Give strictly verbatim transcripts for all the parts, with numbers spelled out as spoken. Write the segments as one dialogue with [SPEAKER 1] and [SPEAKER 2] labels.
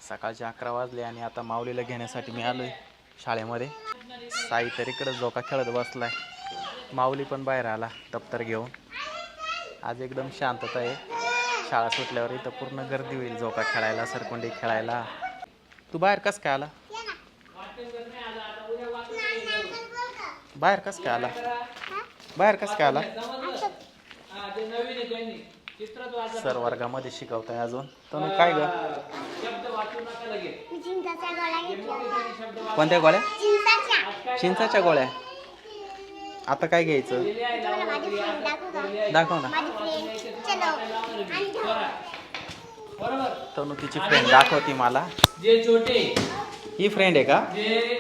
[SPEAKER 1] सकाळचे अकरा वाजले आणि आता माऊलीला घेण्यासाठी मी आलोय शाळेमध्ये. साई तर इकडं झोका खेळत बसलाय. माऊली पण बाहेर आला दप्तर घेऊन. आज एकदम शांतता आहे. शाळा सुटल्यावर इथं पूर्ण गर्दी होईल झोका खेळायला, सरकोंडी खेळायला. तू बाहेर कस काय आला? बाहेर कस काय आला? बाहेर कस काय आला? सर वर्गामध्ये शिकवताय अजून. तर काय ग? कोणत्या गोळ्या? चिंचाच्या गोळ्या. आता काय घ्यायचं? दाखव ना. तनु तिची फ्रेंड दाखवती मला. ही फ्रेंड आहे का?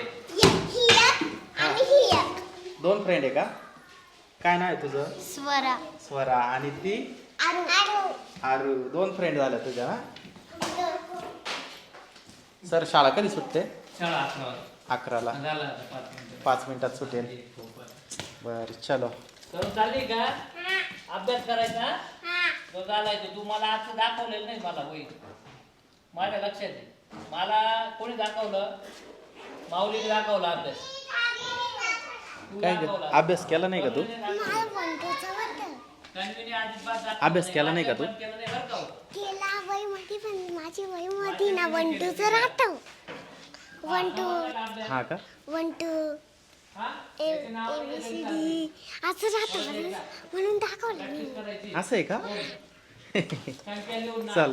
[SPEAKER 1] दोन फ्रेंड आहे का? काय नाव आहे तुझं?
[SPEAKER 2] स्वरा.
[SPEAKER 1] स्वरा. आणि ती आरू. दोन फ्रेंड झाल्या तुझ्या ना? सर शाळा कधी सुटते? अकराला. पाच मिनिटात सुटेल. बर चलो.
[SPEAKER 3] चालली का? अभ्यास करायचा तो घालायचं. तू मला आज दाखवलेलं नाही मला होईल माझ्या लक्षात आहे. मला कोणी दाखवलं? माऊलीने दाखवला अभ्यास.
[SPEAKER 1] काय अभ्यास केला नाही का तू? अभ्यास केला नाही का तू?
[SPEAKER 2] केला वही मध्ये पण माझी वही मध्ये ना वन टू च राहतो. One two.
[SPEAKER 1] हा का?
[SPEAKER 2] One two A B C D असं राहतं म्हणून दाखवलं मी.
[SPEAKER 1] असं आहे का? चल.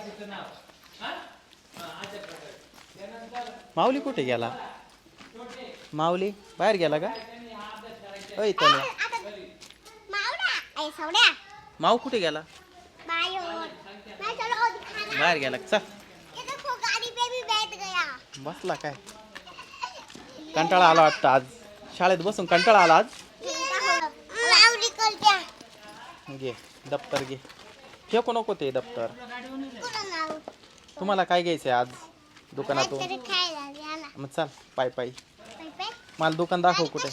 [SPEAKER 1] माऊली कुठे गेला? माऊली बाहेर गेला का? ओय तनु.
[SPEAKER 2] मावडा ए सवड्या.
[SPEAKER 1] माऊ कुठे गेला?
[SPEAKER 2] बायो मैं चलो दिखाना.
[SPEAKER 1] बाहेर गेला. चल.
[SPEAKER 2] ये देखो गाड़ी पे भी बैठ गया.
[SPEAKER 1] बसला काय? कंटाळा आला वाटतं आज. शाळेत बसून कंटाळा आला आज.
[SPEAKER 2] मावली करत्या.
[SPEAKER 1] घे दप्तर घे. फेकू नको ते दप्तर. तुम्हाला काय घ्यायचंय आज दुकानातून? मग चल पाय पायी. मला दुकान दाखव कुठे.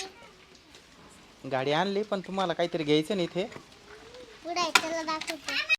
[SPEAKER 1] गाडी आणली पण तुम्हाला काहीतरी घ्यायचं ना इथे.